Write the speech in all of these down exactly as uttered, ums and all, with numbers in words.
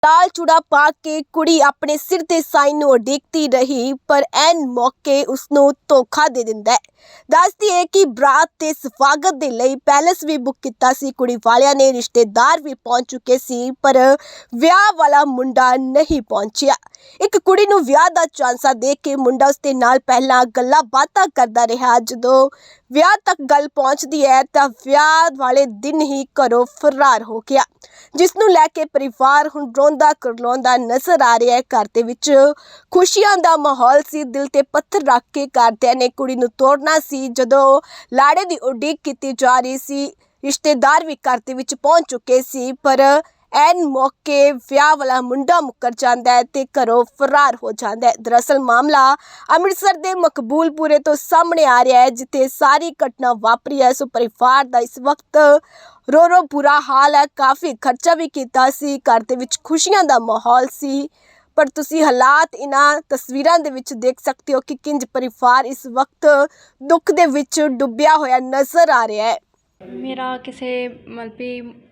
लाल चूड़ा पा के कुड़ी अपने सिर ते साईं नूं उਡੀਕਦੀ रही पर ऐन मौके उसनूं धोखा दे दिंदा है। दसदी है कि बरात ते स्वागत दे लई पैलेस भी बुक कीता सी, कुड़ी वालियां ने रिश्तेदार भी पहुंच चुके सी पर विआह वाला मुंडा नहीं पहुंचिया। एक कुड़ी नूं विआह दा चांसा दे के मुंडा उसदे नाल पहलां गल्लां बातां करदा रहा। जदों विआह तक गल पहुंचदी है तां विआह वाले दिन ही घरों फरार हो गया, जिस नूं लैके परिवार हुण रोंदा करलाउंदा नजर आ रहा है। घर दे विच खुशियां दा माहौल सी, दिल ते पत्थर रख के घरदिआं ने कुड़ी नूं तोड़ना सी। जदों लाड़े दी उਡੀक कीती जा रही सी, रिश्तेदार भी घर दे विच पहुंच चुके सी पर ऐन मौके विआह वाला मुंडा मुकर जाता है ते घरों फरार हो जाता है। दरअसल मामला अमृतसर के मकबूलपुरे तो सामने आ रहा है, जिथे सारी घटना वापरी है। सो परिवार का इस वक्त रो रो बुरा हाल है। काफ़ी खर्चा भी किया सी, घर दे विच खुशियां का माहौल सी, पर तुसी हालात इन्हां तस्वीरां दे विच देख सकते हो कि किंज परिवार इस वक्त दुख दे विच डुबिया होया नज़र आ रहा है। मेरा किसी मतलब भी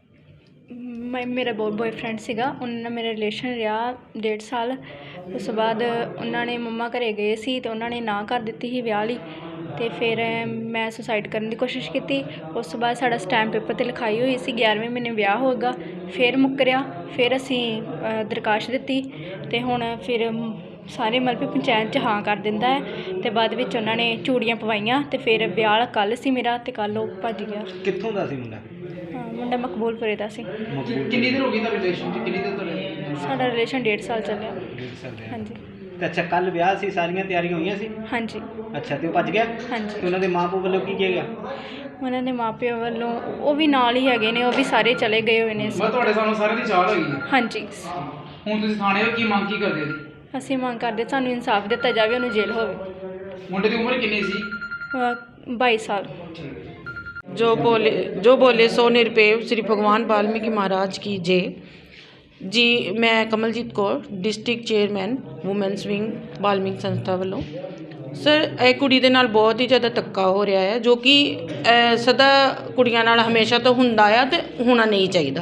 मैं मेरा बॉय बॉयफ्रेंड सीगा, उन्होंने मेरा रिलेशन रहा डेढ़ साल। उस तो बाद उन्होंने मम्मा घरे गए सी तो उन्होंने ना कर दी ही विआह लई, तो फिर मैं सुसाइड करने की कोशिश की। उस तो बाद साडा स्टैंप पेपर ते लिखाई हुई सी ग्यारहवें महीने विआह होगा, फिर मुकरिया, फिर असी दरखाश दी तो हुण फिर सारे मतलब पंचायत च हाँ कर दिंदा है। तो बाद विच उन्होंने चूड़ियाँ पवाइयां तो फिर विआह कल सी मेरा, तो कल वो भज गया। कित्थों दा सी मुंडा? मुंडा मकबूलपुरे दा सी। किन्नी देर हो गई रिलेशन च? किन्नी देर तो साडा रिलेशन डेढ़ साल चलिया। डेढ़ साल रहा। हाँ जी। ते अच्छा कल विआह सी, सारियां तैयारियां होईयां सी? हाँ जी। अच्छा ते भज गया? हाँ जी। ते उन्हां दे मां पिओ ਵੱਲੋਂ ਕੀ ਕਿਹਾ ਗਿਆ? ਉਹਨਾਂ ਦੇ ਮਾਪਿਆਂ ਵੱਲੋਂ ਉਹ ਵੀ ਨਾਲ ਹੀ ਹੈਗੇ ਨੇ, ਉਹ ਵੀ ਸਾਰੇ ਚਲੇ ਗਏ ਹੋਏ ਨੇ। ਮੈਂ ਤੁਹਾਡੇ ਸਾਨੂੰ ਸਾਰਿਆਂ ਦੀ ਚਾਹ ਹੈਗੀ ਹੈ। ਹਾਂਜੀ। ਹੁਣ ਤੁਸੀਂ ਥਾਣੇ ਹੋ, ਕੀ ਮੰਗ ਕੀ ਕਰਦੇ ਹੋ? ਅਸੀਂ ਮੰਗ ਕਰਦੇ ਸਾਨੂੰ ਇਨਸਾਫ ਦਿੱਤਾ ਜਾਵੇ, ਉਹਨੂੰ ਜੇਲ੍ਹ ਹੋਵੇ। ਮੁੰਡੇ ਦੀ ਉਮਰ ਕਿੰਨੀ ਸੀ? ਅਹ ਬਾਈ ਸਾਲ। जो बोले जो बोले सो निरपेव श्री भगवान वाल्मीकि महाराज की जय जी। मैं Kamaljeet Kaur, district chairman women's wing Valmiki संस्था वालों। सर ਇਹ ਕੁੜੀ ਦੇ ਨਾਲ ਬਹੁਤ ਹੀ ਜ਼ਿਆਦਾ ਧੱਕਾ ਹੋ ਰਿਹਾ ਹੈ, ਜੋ ਕਿ ਸਦਾ ਕੁੜੀਆਂ ਨਾਲ ਹਮੇਸ਼ਾ ਤੋਂ ਹੁੰਦਾ ਆ ਤੇ ਹੋਣਾ ਨਹੀਂ ਚਾਹੀਦਾ।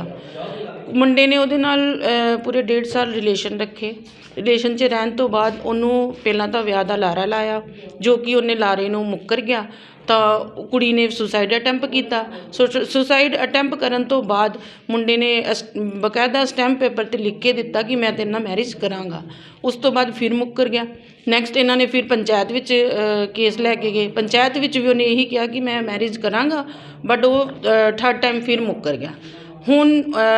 ਮੁੰਡੇ ਨੇ ਉਹਦੇ ਨਾਲ ਪੂਰੇ ਡੇਢ ਸਾਲ ਰਿਲੇਸ਼ਨ ਰੱਖੇ। ਰਿਲੇਸ਼ਨ 'ਚ ਰਹਿਣ ਤੋਂ ਬਾਅਦ ਉਹਨੂੰ ਪਹਿਲਾਂ ਤਾਂ ਵਿਆਹ ਦਾ ਲਾਰਾ ਲਾਇਆ, ਜੋ ਕਿ ਉਹਨੇ ਲਾਰੇ ਨੂੰ ਮੁੱਕਰ ਗਿਆ। ਤਾਂ ਕੁੜੀ ਨੇ ਸੁਸਾਈਡ ਅਟੈਂਪ ਕੀਤਾ। ਸੁਸਾਈਡ ਅਟੈਂਪ ਕਰਨ ਤੋਂ ਬਾਅਦ ਮੁੰਡੇ ਨੇ ਅਸ ਬਕਾਇਦਾ ਸਟੈਂਪ ਪੇਪਰ 'ਤੇ ਲਿਖ ਕੇ ਦਿੱਤਾ ਕਿ ਮੈਂ ਤੇਰੇ ਨਾਲ ਮੈਰਿਜ ਕਰਾਂਗਾ। ਉਸ ਤੋਂ ਬਾਅਦ ਫਿਰ ਮੁੱਕਰ ਗਿਆ। ਨੈਕਸਟ ਇਹਨਾਂ ਨੇ ਫਿਰ ਪੰਚਾਇਤ ਵਿੱਚ ਕੇਸ ਲੈ ਕੇ ਗਏ। ਪੰਚਾਇਤ ਵਿੱਚ ਵੀ ਉਹਨੇ ਇਹੀ ਕਿਹਾ ਕਿ ਮੈਂ ਮੈਰਿਜ ਕਰਾਂਗਾ, ਬਟ ਉਹ ਥਰਡ ਟਾਈਮ ਫਿਰ ਮੁੱਕਰ ਗਿਆ। ਹੁਣ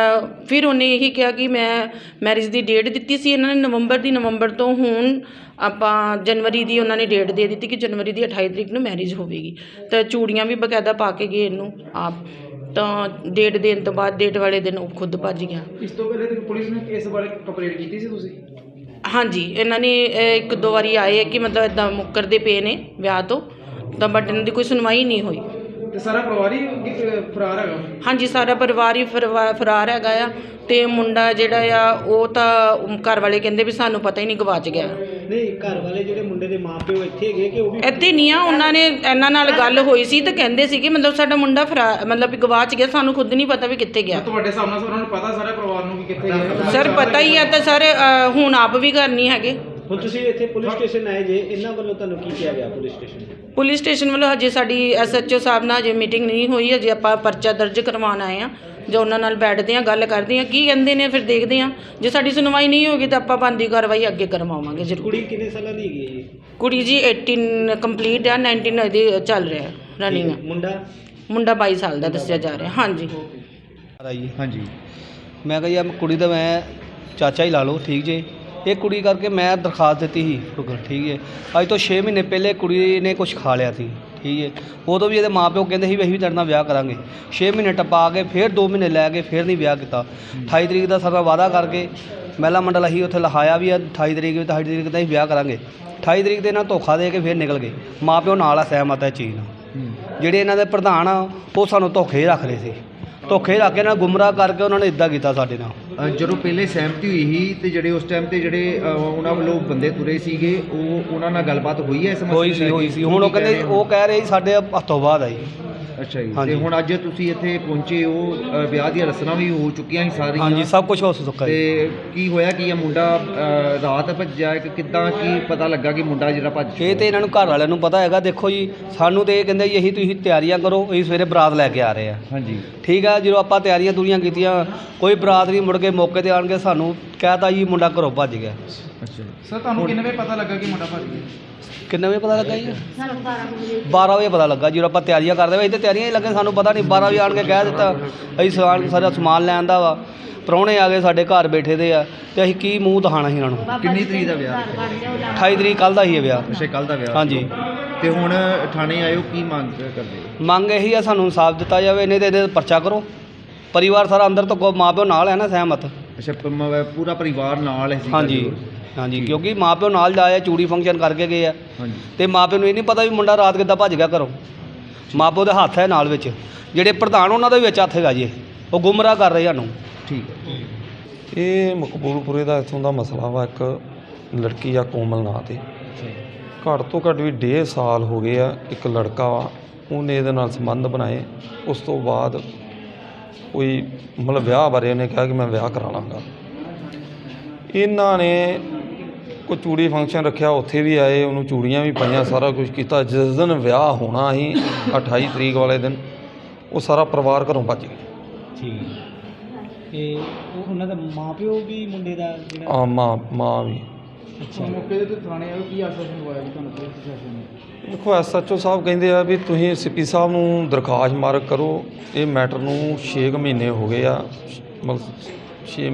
ਫਿਰ ਉਹਨੇ ਇਹੀ ਕਿਹਾ ਕਿ ਮੈਂ ਮੈਰਿਜ ਦੀ ਡੇਟ ਦਿੱਤੀ ਸੀ ਇਹਨਾਂ ਨੇ ਨਵੰਬਰ ਦੀ, ਨਵੰਬਰ ਤੋਂ ਹੁਣ ਆਪਾਂ ਜਨਵਰੀ ਦੀ ਉਹਨਾਂ ਨੇ ਡੇਟ ਦੇ ਦਿੱਤੀ ਕਿ ਜਨਵਰੀ ਦੀ ਅਠਾਈ ਤਰੀਕ ਨੂੰ ਮੈਰਿਜ ਹੋਵੇਗੀ। ਤਾਂ ਚੂੜੀਆਂ ਵੀ ਬਕਾਇਦਾ ਪਾ ਕੇ ਗਏ ਇਹਨੂੰ ਆਪ। ਤਾਂ ਡੇਟ ਦੇਣ ਤੋਂ ਬਾਅਦ ਡੇਟ ਵਾਲੇ ਦਿਨ ਉਹ ਖੁਦ ਭੱਜ ਗਿਆ। ਇਸ ਤੋਂ ਪਹਿਲੇ ਪੁਲਿਸ ਨੇ ਇਸ ਬਾਰੇ ਕੰਪਲੇਂਟ ਕੀਤੀ ਸੀ ਤੁਸੀਂ? ਹਾਂਜੀ, ਇਹਨਾਂ ਨੇ ਇੱਕ ਦੋ ਵਾਰੀ ਆਏ ਕਿ ਮਤਲਬ ਇੱਦਾਂ ਮੁੱਕਰਦੇ ਪਏ ਨੇ ਵਿਆਹ ਤੋਂ, ਤਾਂ ਬਟ ਇਹਨਾਂ ਦੀ ਕੋਈ ਸੁਣਵਾਈ ਨਹੀਂ ਹੋਈ। ਤੇ ਸਾਰਾ ਪਰਿਵਾਰ ਹੀ ਫਰਾਰ ਹੈਗਾ? ਹਾਂਜੀ, ਸਾਰਾ ਪਰਿਵਾਰ ਹੀ ਫਰਵਾ ਫਰਾਰ ਹੈਗਾ ਆ। ਤੇ ਮੁੰਡਾ ਜਿਹੜਾ ਆ ਉਹ ਤਾਂ ਘਰ ਵਾਲੇ ਕਹਿੰਦੇ ਵੀ ਸਾਨੂੰ ਪਤਾ ਹੀ ਨਹੀਂ, ਗਵਾਚ ਗਿਆ। ਨਹੀਂ, ਘਰ ਵਾਲੇ ਜਿਹੜੇ ਮੁੰਡੇ ਦੇ ਮਾਂ ਪਿਓ ਇੱਥੇ ਹੈਗੇ ਕਿ ਉਹ ਵੀ ਇੱਥੇ ਨਹੀਂ ਆ? ਉਹਨਾਂ ਨੇ ਇਹਨਾਂ ਨਾਲ ਗੱਲ ਹੋਈ ਸੀ ਤਾਂ ਕਹਿੰਦੇ ਸੀ ਕਿ ਮਤਲਬ ਸਾਡਾ ਮੁੰਡਾ ਫਰਾ ਮਤਲਬ ਵੀ ਗਵਾਚ ਗਿਆ, ਸਾਨੂੰ ਖੁਦ ਨਹੀਂ ਪਤਾ ਵੀ ਕਿੱਥੇ ਗਿਆ। ਤੁਹਾਡੇ ਸਾਹਮਣੇ ਉਹਨਾਂ ਨੂੰ ਪਤਾ ਸਾਰੇ ਪਰਿਵਾਰ ਨੂੰ ਕਿ ਕਿੱਥੇ ਗਿਆ? ਸਰ ਪਤਾ ਹੀ ਆ, ਤਾਂ ਸਰ ਹੁਣ ਆਪ ਵੀ ਘਰ ਨਹੀਂ ਹੈਗੇ। ਹੁਣ ਤੁਸੀਂ ਇੱਥੇ ਪੁਲਿਸ ਸਟੇਸ਼ਨ ਆਏ ਜੇ, ਇਹਨਾਂ ਵੱਲੋਂ ਤੁਹਾਨੂੰ ਕੀ ਕਿਹਾ ਗਿਆ ਪੁਲਿਸ ਸਟੇਸ਼ਨ? ਪੁਲਿਸ ਸਟੇਸ਼ਨ ਵੱਲੋਂ ਹਜੇ ਸਾਡੀ ਐਸ ਐਚ ਓ ਸਾਹਿਬ ਨਾਲ ਹਜੇ ਮੀਟਿੰਗ ਨਹੀਂ ਹੋਈ। ਹਜੇ ਆਪਾਂ ਪਰਚਾ ਦਰਜ ਕਰਵਾਉਣ ਆਏ ਹਾਂ, ਜੋ ਉਹਨਾਂ ਨਾਲ ਬੈਠਦੇ ਹਾਂ, ਗੱਲ ਕਰਦੇ ਹਾਂ, ਕੀ ਕਹਿੰਦੇ ਨੇ, ਫਿਰ ਦੇਖਦੇ ਹਾਂ। ਜੇ ਸਾਡੀ ਸੁਣਵਾਈ ਨਹੀਂ ਹੋਗੀ ਤਾਂ ਆਪਾਂ ਬਣਦੀ ਕਾਰਵਾਈ ਅੱਗੇ ਕਰਵਾਵਾਂਗੇ ਜ਼ਰੂਰ। ਕੁੜੀ ਕਿੰਨੇ ਸਾਲਾਂ ਦੀ ਹੈਗੀ ਹੈ ਜੀ? ਕੁੜੀ ਜੀ ਅਠਾਰਾਂ ਕੰਪਲੀਟ ਆ, ਉਨੱਤੀ ਇਹਦੀ ਚੱਲ ਰਿਹਾ ਰਨਿੰਗ। ਮੁੰਡਾ ਮੁੰਡਾ ਬਾਈ ਸਾਲ ਦਾ ਦੱਸਿਆ ਜਾ ਰਿਹਾ। ਹਾਂਜੀ ਹਾਂਜੀ, ਮੈਂ ਕਿਹਾ ਜੀ ਕੁੜੀ ਦਾ ਮੈਂ ਚਾਚਾ ਹੀ ਲਾ ਲਓ, ਠੀਕ ਜੇ। ਇਹ ਕੁੜੀ ਕਰਕੇ ਮੈਂ ਦਰਖਾਸਤ ਦਿੱਤੀ ਸੀ, ਠੀਕ ਹੈ। ਅੱਜ ਤੋਂ ਛੇ ਮਹੀਨੇ ਪਹਿਲੇ ਕੁੜੀ ਨੇ ਕੁਝ ਖਾ ਲਿਆ ਸੀ, ਠੀਕ ਹੈ। ਉਦੋਂ ਵੀ ਇਹਦੇ ਮਾਂ ਪਿਓ ਕਹਿੰਦੇ ਸੀ ਵੀ ਅਸੀਂ ਵੀ ਤੇਰੇ ਨਾਲ ਵਿਆਹ ਕਰਾਂਗੇ। ਛੇ ਮਹੀਨੇ ਟੱਪਾ ਕੇ ਫਿਰ ਦੋ ਮਹੀਨੇ ਲੈ ਕੇ ਫਿਰ ਨਹੀਂ ਵਿਆਹ ਕੀਤਾ। ਅਠਾਈ ਤਰੀਕ ਦਾ ਸਾਡਾ ਵਾਅਦਾ ਕਰਕੇ ਮਹਿਲਾ ਮੰਡਲ ਅਸੀਂ ਉੱਥੇ ਲਿਖਾਇਆ ਵੀ ਆ ਅਠਾਈ ਤਰੀਕ ਵੀ ਅਠਾਈ ਤਰੀਕ ਦਾ ਅਸੀਂ ਵਿਆਹ ਕਰਾਂਗੇ। ਅਠਾਈ ਤਰੀਕ ਦੇ ਇਹਨਾਂ ਧੋਖਾ ਦੇ ਕੇ ਫਿਰ ਨਿਕਲ ਗਏ। ਮਾਂ ਪਿਓ ਨਾਲ ਆ ਸਹਿਮਤ ਹੈ ਚੀਜ਼ ਨਾਲ। ਜਿਹੜੇ ਇਹਨਾਂ ਦੇ ਪ੍ਰਧਾਨ ਆ ਉਹ ਸਾਨੂੰ ਧੋਖੇ ਰੱਖ ਰਹੇ ਸੀ, ਧੋਖੇ ਰੱਖ ਕੇ ਨਾਲ ਗੁੰਮਰਾਹ ਕਰਕੇ ਉਹਨਾਂ ਨੇ ਇੱਦਾਂ ਕੀਤਾ ਸਾਡੇ ਨਾਲ। ਜਦੋਂ ਪਹਿਲੇ ਸਹਿਮਤੀ ਹੋਈ ਸੀ ਤੇ ਜਿਹੜੇ ਉਸ ਟਾਈਮ ਤੇ ਜਿਹੜੇ ਉਹਨਾਂ ਵੱਲੋਂ ਬੰਦੇ ਤੁਰੇ ਸੀਗੇ, ਉਹ ਉਹਨਾਂ ਨਾਲ ਗੱਲਬਾਤ ਹੋਈ ਹੈ ਇਸ ਮਸਲੇ ਹੋਈ ਸੀ ਹੋਈ ਸੀ ਹੁਣ ਉਹ ਕਹਿੰਦੇ ਉਹ ਕਹਿ ਰਹੇ ਸਾਡੇ ਹੱਥੋਂ ਬਾਅਦ ਆਈ। ਅੱਛਾ ਜੀ। ਤੇ ਹਾਂਜੀ। ਹੁਣ ਅੱਜ ਤੁਸੀਂ ਇੱਥੇ ਪਹੁੰਚੇ ਹੋ, ਅ, ਵਿਆਹ ਦੀਆਂ ਰਸਮਾਂ ਵੀ ਹੋ ਚੁੱਕੀਆਂ ਸੀ ਸਾਰੀਆਂ। ਹਾਂਜੀ, ਸਭ ਕੁਝ ਹੋ ਚੁੱਕਾ ਜੀ। ਤੇ ਕੀ ਹੋਇਆ ਕੀ ਇਹ ਮੁੰਡਾ ਅ, ਰਾਤ ਭੱਜਿਆ ਕਿ ਕਿੱਦਾਂ, ਕੀ ਪਤਾ ਲੱਗਾ ਕਿ ਮੁੰਡਾ ਜਿਹੜਾ ਭੱਜ ਇਹ ਤੇ ਇਹਨਾਂ ਨੂੰ ਘਰ ਵਾਲਿਆਂ ਨੂੰ ਪਤਾ ਹੈਗਾ। ਦੇਖੋ ਜੀ, ਸਾਨੂੰ ਤੇ ਇਹ ਕਹਿੰਦੇ ਜੀ ਅਸੀਂ ਤੁਸੀਂ ਤਿਆਰੀਆਂ ਕਰੋ, ਅਸੀਂ ਸਵੇਰੇ ਬਰਾਤ ਲੈ ਕੇ ਆ ਰਹੇ ਆ। ਹਾਂਜੀ ਠੀਕ ਆ, ਜਦੋਂ ਆਪਾਂ ਤਿਆਰੀਆਂ ਤੁਰੀਆਂ ਕੀਤੀਆਂ, ਕੋਈ ਬਰਾਤ ਨਹੀਂ, ਮੁੜ ਕੇ ਮੌਕੇ ਤੇ ਆਣ ਕੇ ਸਾਨੂੰ ਕਹਿਤਾ ਜੀ ਮੁੰਡਾ ਘਰੋਂ ਭੱਜ ਗਿਆ। ਅੱਛਾ ਸਰ ਤੁਹਾਨੂੰ ਕਿੰਨੇ ਵਜੇ ਪਤਾ ਲੱਗਾ ਕਿ ਮੁੰਡਾ ਭੱਜ ਗਿਆ? ਕਿੰਨੇ ਵਜੇ ਪਤਾ ਲੱਗਾ ਜੀ? ਬਾਰਾਂ ਵਜੇ ਪਤਾ ਲੱਗਾ। ਜਦੋਂ ਆਪਾਂ ਤਿਆਰੀਆਂ ਕਰਦੇ ਵੇ, ਇੱਥੇ ਤਿਆਰੀਆਂ ਹੀ ਲੱਗੇ, ਸਾਨੂੰ ਪਤਾ ਨਹੀਂ। ਬਾਰਾਂ ਵਜੇ ਆਣ ਕੇ ਕਹਿ ਦਿੱਤਾ ਅਸੀਂ ਸਮਾਨ ਸਾਰਾ ਸਮਾਨ ਲੈ ਆਂਦਾ ਵਾ। ਪ੍ਰਾਹੁਣੇ ਆ ਗਏ ਸਾਡੇ ਘਰ ਬੈਠੇ ਦੇ ਆ, ਤੇ ਅਸੀਂ ਕੀ ਮੂੰਹ ਦਿਖਾਣਾ ਸੀ ਇਹਨਾਂ ਨੂੰ। ਕਿੰਨੀ ਤਰੀਕ ਦਾ ਵਿਆਹ? ਅਠਾਈ ਤਰੀਕ ਕੱਲ੍ਹ ਦਾ ਹੀ ਹੈ ਵਿਆਹ। ਅੱਛਾ, ਕੱਲ ਦਾ ਵਿਆਹ। ਹਾਂਜੀ। ਤੇ ਹੁਣ ਥਾਣੇ ਆਇਓ, ਕੀ ਮੰਗ ਕਰਦੇ? ਮੰਗ ਇਹੀ ਆ, ਸਾਨੂੰ ਇਨਸਾਫ ਦਿੱਤਾ ਜਾਵੇ, ਨਹੀਂ ਤੇ ਇਹਦੇ ਤੇ ਪਰਚਾ ਕਰੋ। ਪਰਿਵਾਰ ਸਾਰਾ ਅੰਦਰ ਤੋਂ ਮਾਂ ਪਿਓ ਨਾਲ ਹੈ ਨਾ, ਸਹਿਮਤ। ਅੱਛਾ, ਪ- ਮ- ਪੂਰਾ ਪਰਿਵਾਰ ਨਾਲ ਹੈ ਸੀ? ਹਾਂਜੀ ਹਾਂਜੀ, ਕਿਉਂਕਿ ਮਾਂ ਪਿਓ ਨਾਲ ਜਾਏ, ਚੂੜੀ ਫੰਕਸ਼ਨ ਕਰਕੇ ਗਏ ਆ, ਹਾਂਜੀ। ਤੇ ਮਾਂ ਪਿਓ ਨੂੰ ਇਹ ਨਹੀਂ ਪਤਾ ਵੀ ਮੁੰਡਾ ਰਾਤ ਕਿੱਦਾਂ ਭੱਜ ਗਿਆ ਘਰੋਂ। ਮਾਂ ਪਿਓ ਦੇ ਹੱਥ ਹੈ ਨਾਲ ਵਿੱਚ, ਜਿਹੜੇ ਪ੍ਰਧਾਨ ਉਹਨਾਂ ਦਾ ਵੀ ਵਿੱਚ ਹੱਥ ਹੈਗਾ ਜੀ। ਉਹ ਗੁੰਮਰਾਹ ਕਰ ਰਹੇ ਸਾਨੂੰ। ਠੀਕ ਹੈ। ਇਹ ਮਕਬੂਲਪੁਰੇ ਦਾ ਇੱਥੋਂ ਦਾ ਮਸਲਾ ਵਾ। ਇੱਕ ਲੜਕੀ ਆ ਕੋਮਲ ਨਾਂ 'ਤੇ, ਘੱਟ ਤੋਂ ਘੱਟ ਵੀ ਡੇਢ ਸਾਲ ਹੋ ਗਏ ਆ। ਇੱਕ ਲੜਕਾ ਵਾ, ਉਹਨੇ ਇਹਦੇ ਨਾਲ ਸੰਬੰਧ ਬਣਾਏ। ਉਸ ਤੋਂ ਬਾਅਦ ਕੋਈ ਮਤਲਬ ਵਿਆਹ ਬਾਰੇ ਉਹਨੇ ਕਿਹਾ ਕਿ ਮੈਂ ਵਿਆਹ ਕਰਾ ਲਾਂਗਾ। ਇਹਨਾਂ ਨੇ ਕੋਈ ਚੂੜੀ ਫੰਕਸ਼ਨ ਰੱਖਿਆ, ਉੱਥੇ ਵੀ ਆਏ, ਉਹਨੂੰ ਚੂੜੀਆਂ ਵੀ ਪਾਈਆਂ, ਸਾਰਾ ਕੁਝ ਕੀਤਾ। ਜਿਸ ਦਿਨ ਵਿਆਹ ਹੋਣਾ ਸੀ ਅਠਾਈ ਤਰੀਕ ਵਾਲੇ ਦਿਨ, ਉਹ ਸਾਰਾ ਪਰਿਵਾਰ ਘਰੋਂ ਭੱਜ ਗਿਆ। ਠੀਕ ਤੇ ਉਹ ਉਹਨਾਂ ਦਾ ਮਾਪਿਓ ਵੀ ਮੁੰਡੇ ਦਾ ਜਿਹੜਾ ਆ ਮਾਂ ਮਾਂ ਵੀ। ਅੱਛਾ ਮੌਕੇ ਦੇ ਤੇ ਥਾਣੇ ਆਇਓ, ਕੀ ਆਸ਼ਵਾਸਨ ਦਵਾਇਆ ਜੀ ਤੁਹਾਨੂੰ ਪੁਲਿਸ ਪ੍ਰਸ਼ਾਸਨ ਨੇ? ਦੇਖੋ, ਐਸ ਐਚ ਓ ਸਾਹਿਬ ਕਹਿੰਦੇ ਆ ਵੀ ਤੁਸੀਂ ਸੀ ਪੀ ਸਾਹਿਬ ਨੂੰ ਦਰਖਾਸਤ ਮਾਰਕ ਕਰੋ। ਇਹ ਮੈਟਰ ਨੂੰ ਛੇ ਕੁ ਮਹੀਨੇ ਹੋ ਗਏ ਆ, ਮਤਲਬ ਛੇ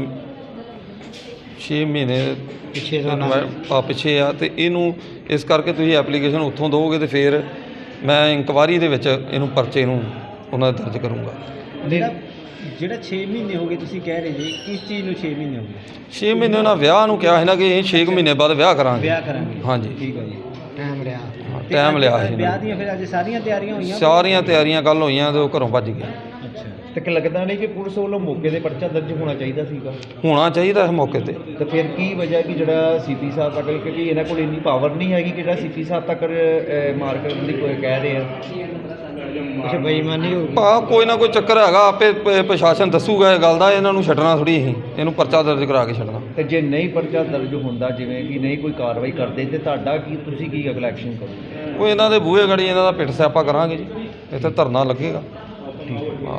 ਛੇ ਮਹੀਨੇ ਪਿੱਛੇ ਦਾ ਨਾਮ ਆ ਪਿੱਛੇ ਆ। ਤੇ ਇਹਨੂੰ ਇਸ ਕਰਕੇ ਤੁਸੀਂ ਐਪਲੀਕੇਸ਼ਨ ਉੱਥੋਂ ਦਿਓਗੇ ਤੇ ਫਿਰ ਮੈਂ ਇਨਕੁਆਰੀ ਦੇ ਵਿੱਚ ਇਹਨੂੰ ਪਰਚੇ ਨੂੰ ਉਹਨਾਂ ਦਾ ਦਰਜ ਕਰੂੰਗਾ। ਜਿਹੜਾ ਜਿਹੜਾ ਛੇ ਮਹੀਨੇ ਹੋ ਗਏ ਤੁਸੀਂ ਕਹਿ ਰਹੇ ਜੀ, ਕਿਸ ਚੀਜ਼ ਨੂੰ ਛੇ ਮਹੀਨੇ ਹੋ ਗਏ? ਛੇ ਮਹੀਨੇ ਉਹਨਾਂ ਵਿਆਹ ਨੂੰ ਕਿਹਾ ਸੀ ਨਾ ਕਿ ਅਸੀਂ ਛੇ ਕੁ ਮਹੀਨੇ ਬਾਅਦ ਵਿਆਹ ਕਰਾਂਗੇ। ਵਿਆਹ ਕਰਾਂਗੇ। ਹਾਂਜੀ, ਠੀਕ ਹੈ ਜੀ, ਟਾਈਮ ਲਿਆ। ਹਾਂ, ਟਾਈਮ ਲਿਆ ਸੀ ਵਿਆਹ ਦੀਆਂ ਫਿਰ ਅੱਜ ਸਾਰੀਆਂ ਤਿਆਰੀਆਂ ਹੋਈਆਂ? ਸਾਰੀਆਂ ਤਿਆਰੀਆਂ ਕੱਲ੍ਹ ਹੋਈਆਂ ਤੇ ਉਹ ਘਰੋਂ ਭੱਜ ਗਿਆ। ਅੱਛਾ ਤੇ ਕਿ ਲੱਗਦਾ ਨਹੀਂ ਕਿ ਪੁਲਿਸ ਵੱਲੋਂ ਮੌਕੇ ਦੇ ਪਰਚਾ ਦਰਜ ਹੋਣਾ ਚਾਹੀਦਾ ਸੀਗਾ? ਹੋਣਾ ਚਾਹੀਦਾ ਇਸ ਮੌਕੇ ਤੇ। ਤੇ ਫਿਰ ਕੀ ਵਜ੍ਹਾ ਕਿ ਜਿਹੜਾ ਸੀਪੀ ਸਾਹਿਬ ਤੱਕ, ਕਿਉਂਕਿ ਇਹਨਾਂ ਕੋਲ ਇੰਨੀ ਪਾਵਰ ਨਹੀਂ ਹੈਗੀ ਕਿ ਜਿਹੜਾ ਸੀਪੀ ਸਾਹਿਬ ਤੱਕ ਅ, ਮਾਰ ਕਰਨ ਦੀ ਕੋਈ ਕਹਿ ਰਹੇ ਆ? ਅੱਛਾ, ਬੇਈਮਾਨੀ ਹੋ ਗਈ। ਭਾ ਕੋਈ ਨਾ ਕੋਈ ਚੱਕਰ ਹੈਗਾ, ਆਪੇ ਪ- ਪ੍ਰਸ਼ਾਸਨ ਦੱਸੂਗਾ ਇਹ ਗੱਲ ਦਾ। ਇਹਨਾਂ ਨੂੰ ਛੱਡਣਾ ਥੋੜੀ ਅਸੀਂ, ਇਹਨੂੰ ਪਰਚਾ ਦਰਜ ਕਰਾ ਕੇ ਛੱਡਣਾ। ਤੇ ਜੇ ਨਹੀਂ ਪਰਚਾ ਦਰਜ ਹੁੰਦਾ, ਜਿਵੇਂ ਕਿ ਨਹੀਂ ਕੋਈ ਕਾਰਵਾਈ ਕਰਦੇ, ਤੇ ਤੁਹਾਡਾ ਕੀ, ਤੁਸੀਂ ਕੀ ਅਗਲਾ ਐਕਸ਼ਨ ਕਰੋਗੇ? ਉਹ ਇਹਨਾਂ ਦੇ ਬੂਹੇ ਗੜੀ ਇਹਨਾਂ ਦਾ ਪਿੱਟ ਸਿਆਪਾ ਕਰਾਂਗੇ ਜੀ, ਇੱਥੇ ਧਰਨਾ ਲੱਗੇਗਾ। ਹਾਂ,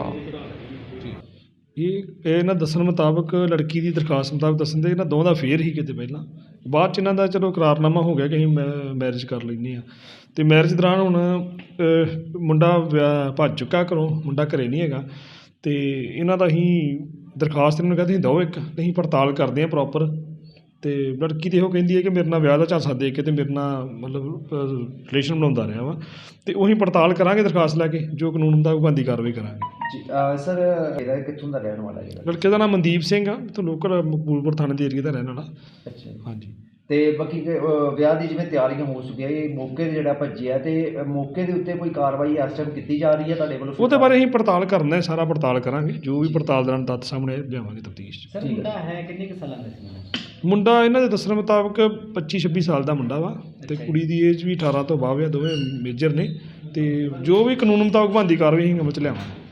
ਇਹ ਇਹਨਾਂ ਦੱਸਣ ਮੁਤਾਬਕ, ਲੜਕੀ ਦੀ ਦਰਖਾਸਤ ਮੁਤਾਬਕ ਦੱਸਣ ਦੇ, ਇਹਨਾਂ ਦੋਵਾਂ ਦਾ ਫੇਰ ਹੀ ਕਿਤੇ ਪਹਿਲਾਂ। ਬਾਅਦ 'ਚ ਇਹਨਾਂ ਦਾ ਚਲੋ ਇਕਰਾਰਨਾਮਾ ਹੋ ਗਿਆ ਕਿ ਅਸੀਂ ਮੈ ਮੈਰਿਜ ਕਰ ਲੈਂਦੇ ਹਾਂ। ਅਤੇ ਮੈਰਿਜ ਦੌਰਾਨ ਹੁਣ ਅ, ਮੁੰਡਾ ਵਿਆਹ ਭੱਜ ਚੁੱਕਾ ਘਰੋਂ, ਮੁੰਡਾ ਘਰੇ ਨਹੀਂ ਹੈਗਾ। ਅਤੇ ਇਹਨਾਂ ਦਾ ਅਸੀਂ ਦਰਖਾਸਤ ਇਹਨਾਂ ਨੂੰ ਕਹਿੰਦੇ ਅਸੀਂ ਦਿਓ ਇੱਕ, ਅਸੀਂ ਪੜਤਾਲ ਕਰਦੇ ਹਾਂ ਪ੍ਰੋਪਰ। ਅਤੇ ਲੜਕੀ ਤਾਂ ਇਹੋ ਕਹਿੰਦੀ ਹੈ ਕਿ ਮੇਰੇ ਨਾਲ ਵਿਆਹ ਦਾ ਝਾਂਸਾ ਦੇ ਕੇ ਅਤੇ ਮੇਰੇ ਨਾਲ ਮਤਲਬ ਰਿਲੇਸ਼ਨ ਬਣਾਉਂਦਾ ਰਿਹਾ ਵਾ। ਅਤੇ ਉਹੀ ਪੜਤਾਲ ਕਰਾਂਗੇ ਦਰਖਾਸਤ ਲੈ ਕੇ, ਜੋ ਕਾਨੂੰਨ ਮੁਤਾਬਕ ਬਣਦੀ ਕਾਰਵਾਈ ਕਰਾਂਗੇ। ਸਰ, ਇਹਦਾ ਕਿੱਥੋਂ ਦਾ ਰਹਿਣ ਵਾਲਾ ਜਿਹੜਾ? ਲੜਕੇ ਦਾ ਨਾਮ ਮਨਦੀਪ ਸਿੰਘ ਆ, ਇੱਥੋਂ ਲੋਕਲ ਮਕਬੂਲਪੁਰ ਥਾਣੇ ਦੇ ਏਰੀਏ ਦਾ ਰਹਿਣ ਵਾਲਾ। ਅੱਛਾ। ਹਾਂਜੀ। ਤੇ ਬਾਕੀ ਕਿ, ਅ, ਵਿਆਹ ਦੀ ਜਿਵੇਂ ਤਿਆਰੀਆਂ ਹੋ ਚੁੱਕੀਆਂ, ਇਹ ਮੌਕੇ 'ਤੇ ਜਿਹੜਾ ਭੱਜਿਆ, ਤੇ ਅ, ਮੌਕੇ ਦੇ ਉੱਤੇ ਕੋਈ ਕਾਰਵਾਈ ਇਸ ਟਾਈਮ ਕੀਤੀ ਜਾ ਰਹੀ ਹੈ ਤੁਹਾਡੇ ਵੱਲੋਂ? ਉਹਦੇ ਬਾਰੇ ਅਸੀਂ ਪੜਤਾਲ ਕਰਨਾ ਹੈ, ਸਾਰਾ ਪੜਤਾਲ ਕਰਾਂਗੇ, ਜੋ ਵੀ ਪੜਤਾਲ ਦੌਰਾਨ ਤੱਥ ਸਾਹਮਣੇ ਲਿਆਵਾਂਗੇ ਤਫਤੀਸ਼ 'ਚ। ਸਰ ਮੁੰਡਾ ਹੈ ਕਿੰਨੇ ਕੁ ਸਾਲਾਂ ਦਾ ਸੀ? ਮੁੰਡਾ ਇਹਨਾਂ ਦੇ ਦੱਸਣ ਮੁਤਾਬਕ ਪੱਚੀ ਛੱਬੀ ਸਾਲ ਦਾ ਮੁੰਡਾ ਵਾ, ਅਤੇ ਕੁੜੀ ਦੀ ਏਜ ਵੀ ਅਠਾਰਾਂ ਤੋਂ ਬਾਅਦ ਆ, ਦੋਵੇਂ ਮੇਜਰ ਨੇ। ਅਤੇ ਜੋ ਵੀ ਕਾਨੂੰਨ ਮੁਤਾਬਕ ਬਣਦੀ ਕਾਰਵਾਈ ਅਸੀਂ ਅਮਲ 'ਚ ਲਿਆਵਾਂਗੇ।